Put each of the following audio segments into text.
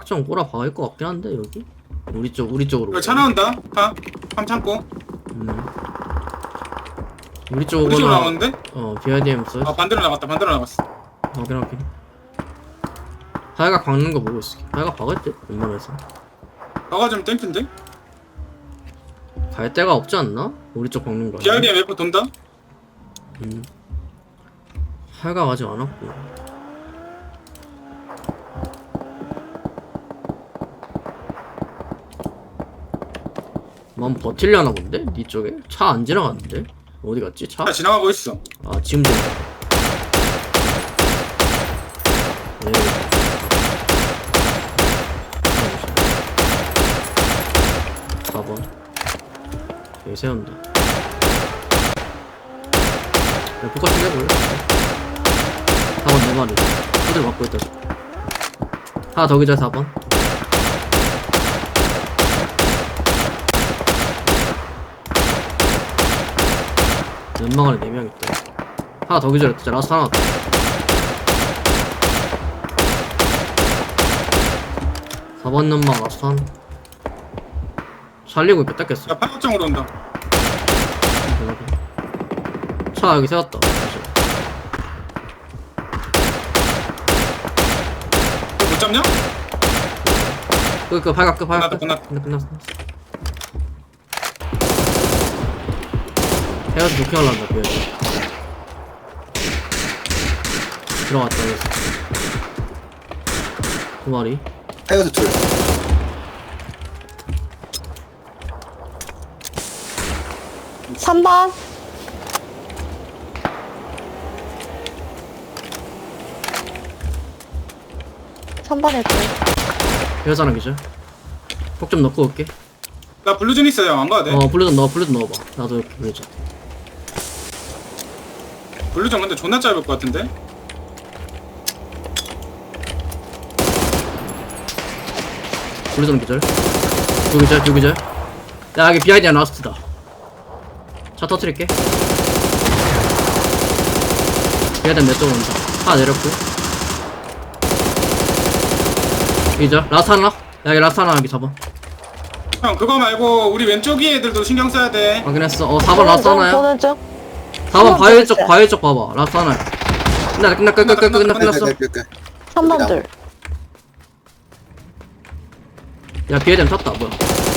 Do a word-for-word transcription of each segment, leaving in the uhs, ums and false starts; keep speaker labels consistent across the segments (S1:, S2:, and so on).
S1: 좀 꼬라 박을 것 같긴 한데 여기 우리 쪽 우리 쪽으로.
S2: 여기 차 나온다. 파. 함 참고.
S1: 음. 우리
S2: 우리
S1: 쪽으로
S2: 쪽으로 나오는데?
S1: 어 비아이디엠 써.
S2: 아 반대로 나갔다. 반대로 나갔어.
S1: 확인 확인. 하야가 박는 거 보고 있어. 하야가 박을 때 웬만해서
S2: 너가 좀 땡큐인데?
S1: 갈 데가 없지 않나? 우리 쪽 박는 거.
S2: 비아이디엠 웨퍼 돈다?
S1: 음. 하야가 가지 않았고. 만 버틸려나 본데? 니 쪽에? 차 안 지나갔는데? 어디 갔지? 차?
S2: 차 지나가고 있어.
S1: 아 지금 좀. 네. 사 번 여기 세운다. 야 포커싱 해볼래? 사 번 네 마리 후들 맞고 있다. 하나 더 기자. 사 번 연막 안에 네 명 있다. 하나 더 기절했다. 라스트 하나 더. 사 번 연막 라스트 하나. 살리고 있겠다 깼어.
S2: 야 파격장으로 온다.
S1: 차 여기 세웠다.
S2: 너 못 잡냐?
S1: 그, 그, 발각, 그, 발각.
S2: 끝났다,
S1: 끝났다. 끝났어, 끝났어. 헤어스 도킹 하려한다, 그 들어갔다, 헤어스. 두 마리.
S3: 헤어스 둘.
S4: 삼 번. 삼 번에 또.
S1: 헤어스 하나 기절. 폭 좀 넣고 올게.
S2: 나 블루전 있어요. 안 가도 돼.
S1: 어, 블루전 넣어, 블루전 넣어봐. 나도 이렇게 블루전.
S2: 블루전 근데 존나 짧을 것 같은데?
S1: 블루전 기절. 두 기절, 두 기절. 야, 여기 비아이디야 라스트다. 차 터트릴게. 비아이디야 내 쪽으로 온다. 하나 내렸고. 기절. 라스트 하나. 야, 여기 라스트 하나 여기 잡아.
S2: 형 그거 말고 우리 왼쪽 위 애들도 신경 써야 돼.
S1: 확인했어. 어, 사 번 라스트 하나야.
S4: 보는 중.
S1: 사 번 바위 쪽,
S4: 있어요.
S1: 바위 쪽 봐봐. 라스트 하나야. 끝나, 끝나, 끝나, 끝나, 끝나, 끝났어.
S3: 끝끝끝.
S4: 삼 번 둘.
S1: 야, 비에덴 탔다. 뭐야.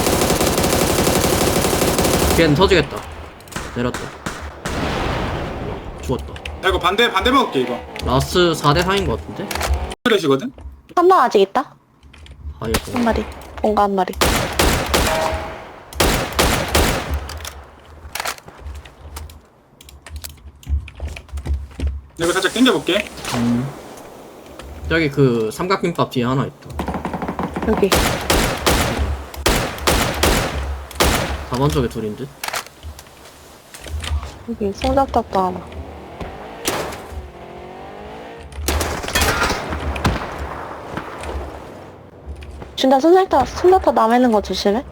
S1: 비에덴 터지겠다. 내렸다. 죽었다.
S2: 나 이거 반대 반대 먹을게 이거.
S1: 라스트 사 대 사인 것 같은데?
S2: 플래시거든?
S4: 삼 번 아직 있다.
S1: 바위였고.
S4: 한 마리. 뭔가 한 마리.
S2: 이거 살짝 당겨볼게.
S1: 음. 저기 그 삼각김밥 뒤에 하나 있다.
S4: 여기.
S1: 사 번 쪽에 둘인 듯?
S4: 여기 송잡탑도 하나. 준다 손잡탑 손잡탑 남아있는 거 조심해.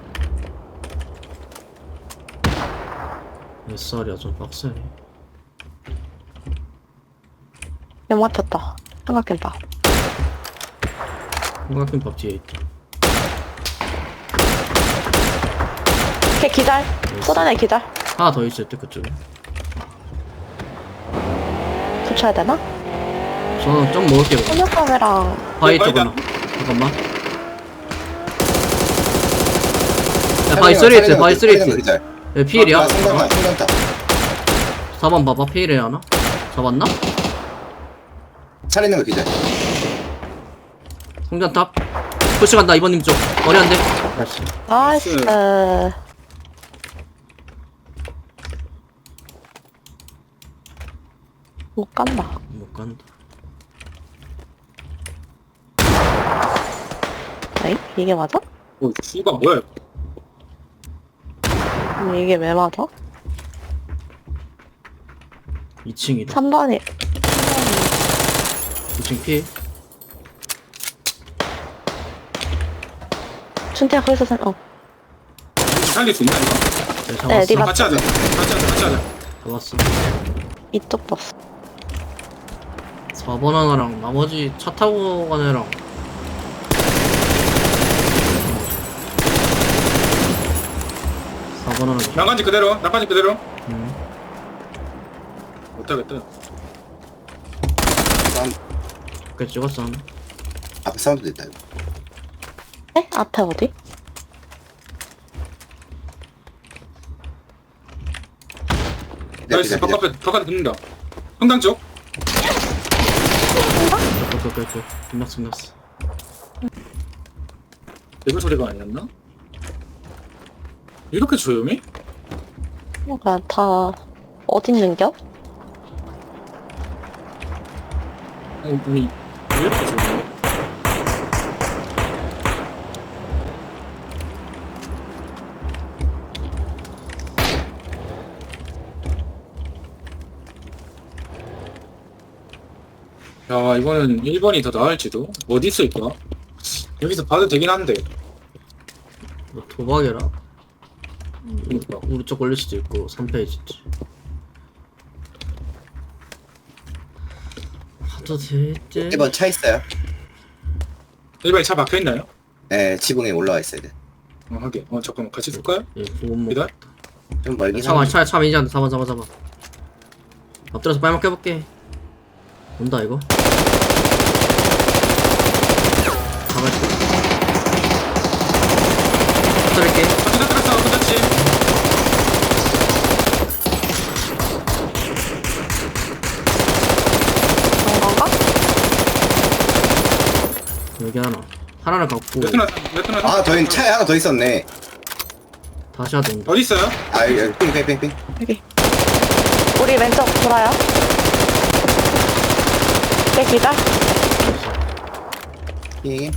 S1: 몇 살이야, 좀 빡세네.
S4: 연막 탔다. 삼각김밥.
S1: 삼각김밥 뒤에 있다.
S4: 걔 기절. 쏟아내 기절.
S1: 하나 더 있을 때 그쪽에.
S4: 붙여야 되나?
S1: 저는 좀 먹을게요.
S4: 손잡탑이랑
S1: 바위
S2: 바위다.
S1: 쪽으로. 잠깐만. 야, 바위 쓰리 있지, 바위 쓰리 있지. 얘 피일이야?
S3: 상관다 상관다.
S1: 사 번 봐봐, 피일에 하나? 잡았나?
S3: 차리는 거 기절.
S1: 성전탑. 푸시 간다, 이번님 쪽. 머리 안 돼. 다시.
S4: 나이스. 못 간다.
S1: 못 간다.
S4: 에이? 이게 맞아?
S2: 오 씨가 뭐야 이거.
S4: 아니, 이게 왜 맞아?
S1: 이 층이다.
S4: 삼 번이
S1: 이 층 피해.
S4: 준태야 거기서 산, 어.
S2: 살릴 수 있나 이거?
S1: 네,
S4: 네,
S1: 잡았어.
S4: 네가-
S2: 같이 하자. 같이 하자. 같이 하자.
S1: 잡았어.
S4: 이쪽 버스.
S1: 사 번 하나랑 나머지 차 타고 간 애랑 번 하나 더.
S2: 난간지 그대로 난간지 그대로
S1: 음.
S2: 못하겠다.
S3: 사운드,
S1: 그래 찍었어 하나.
S3: 앞에 사운드 됐다 이거.
S4: 네? 앞에 어디?
S2: 나이스
S3: 기다려, 기다려.
S2: 바깥에 바깥에 붙는다. 성당 쪽.
S1: 그그그그 끝났어 끝났어.
S2: 레벨 소리가 아니었나? 이렇게 조용해?
S4: 그러니까 다 어딨는겨?
S2: 어, 아니 왜 이렇게 조용해? 야 이거는 일 번이 더 나을지도. 어디 있을까? 여기서 봐도 되긴 한데.
S1: 너 도박이라
S2: 그러니까.
S1: 우리 쪽 걸릴 수도 있고 삼 페이지지. 하도 되지.
S3: 일 번 차 있어요?
S2: 일 번에 차 막혀있나요?
S3: 네, 지붕에 올라와 있어야 돼.
S2: 어 하게. 어 잠깐만 같이 쓸까요?
S1: 예, 보험
S2: 기다려.
S3: 좀 멀긴
S1: 차만
S3: 한데.
S1: 차에 차만 이제 안돼. 잡아 잡아 잡아. 엎드려서 빨리 먹혀볼게. 온다 이거. 잡을게. 엎드릴게.
S2: 같이 들었어 그렇지.
S4: 그런 건가?
S1: 여기 하나. 하나를 갖고
S2: 레트나 레트나
S3: 아, 더 있, 차에 하나 더 있었네.
S1: 다시 하도 온다.
S2: 어디 있어요?
S3: 아, 여기 핑핑핑핑.
S4: 여기. 우리 왼쪽 돌아요. 내 기다.
S3: 핑.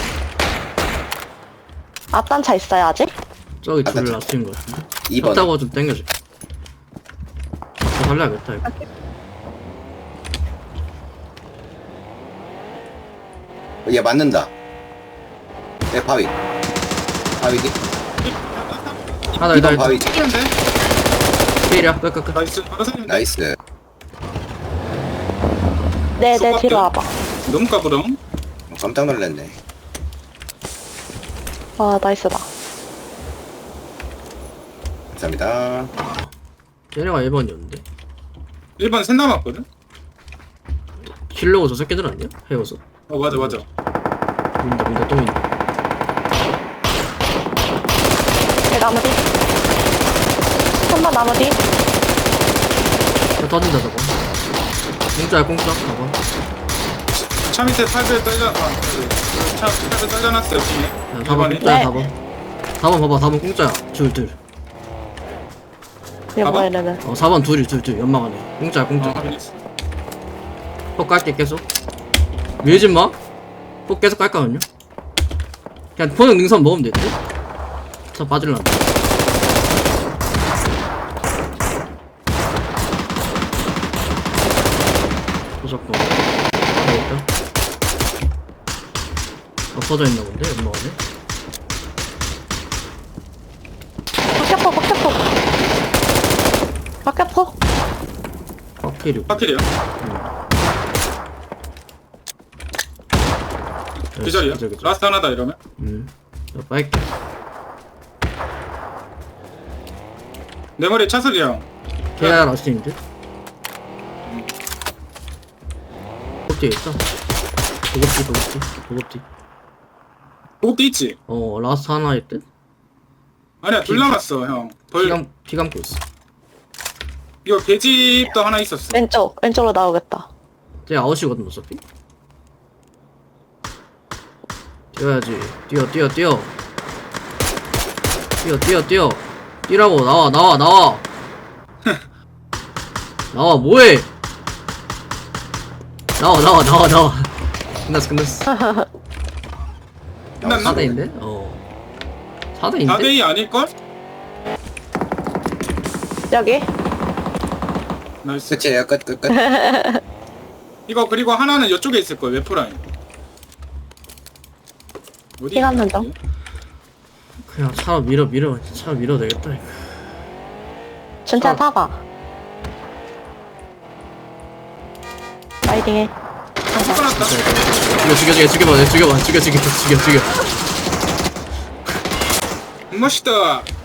S4: 앞단 차 있어요 아직?
S1: 저기
S3: 아까
S1: 둘을
S3: 저-
S1: 놔두인 거야.
S3: 이 번.
S1: 타고 좀 땡겨줘. 더 살려야겠다 이거.
S3: 얘 맞는다. 내 바위. 바위기?
S1: 하나
S3: 이 번
S1: 있다
S3: 바위.
S1: 있다.
S2: 찍히는데?
S1: 필이야. 끝끝끝.
S2: 나이스 바로 살리는데?
S3: 나이스.
S4: 네네
S2: 쏙
S4: 뒤로
S2: 갈게요.
S4: 와봐.
S2: 너무 까부렁.
S3: 어, 깜짝 놀랐네.
S4: 아 나이스다.
S3: 감사합니다.
S1: 얘네가 일 번이었는데.
S2: 일 번 셋 남았거든?
S1: 킬로고 저 새끼들 아니야? 헤어서.
S2: 어 맞아 맞아.
S1: 민다 민다 또 민다.
S4: 내 나무 뒤. 한번 나무 뒤.
S1: 저 터진다 저거. 공짜야 공짜. 저거.
S2: 차 밑에 팔들 떨려. 아, 그, 차 팔들 떨려놨어요 뒤에.
S1: 야,
S2: 일
S1: 사 번
S2: 번에.
S1: 공짜야
S4: 네.
S1: 사 번. 사 번 봐봐 사 번 공짜야. 둘 둘.
S4: 이거
S2: 봐봐.
S4: 뭐야 이러면.
S1: 어 사 번 둘이 둘 둘 연막 안에. 공짜야 공짜.
S2: 어 확인했어.
S1: 폭 깔게 계속. 밀지 마. 폭 계속 깔까면요. 그냥 포는 능선 먹으면 돼. 저 빠질라. 무조건. 여기다. 엎어져 있나 본데 연막 안에.
S4: 박격포 박격포. 박격포.
S1: 확실히.
S2: 파킬이야. 그 자리야.
S1: 그죠, 그죠.
S2: 라스트 하나다 이러면.
S1: 음. 자, 빨게.
S2: 내 머리에 차슬이야.
S1: 걔야 라스트인데. 도급뒤에 있다. 도급뒤 도급뒤 도급뒤.
S2: 보급대 있지?
S1: 어 라스트 하나일 듯.
S2: 아니야 둘 남았어 형. 벌
S1: 피감 피 감고 있어.
S2: 이거 계집도 하나 있었어.
S4: 왼쪽 왼쪽으로 나오겠다.
S1: 쟤 아웃이거든 어차피. 뛰어야지. 뛰어 뛰어 뛰어. 뛰어 뛰어 뛰어. 뛰라고 나와 나와 나와. 나와 뭐해? 나와 나와 나와 나와. 끝났어 끝났어.
S2: 끝났나?
S1: 사 대인데? 어. 사 대인데?
S2: 사 대 이 아닐걸?
S4: 여기.
S2: 나이스.
S3: 끝이에요. 끝, 끝, 끝.
S2: 이거 그리고 하나는 이쪽에 있을 거야 웨프라인. 어디?
S4: 피 감는 중.
S1: 그냥 차로 밀어 밀어 차로 밀어 되겠다 이거.
S4: 준찬
S2: 어.
S4: 타봐. 라이딩해.
S2: 끊었다.
S1: 죽여 죽여 죽여 죽여봐 죽여봐 죽여 죽여 죽여 죽여.
S2: 멋있다.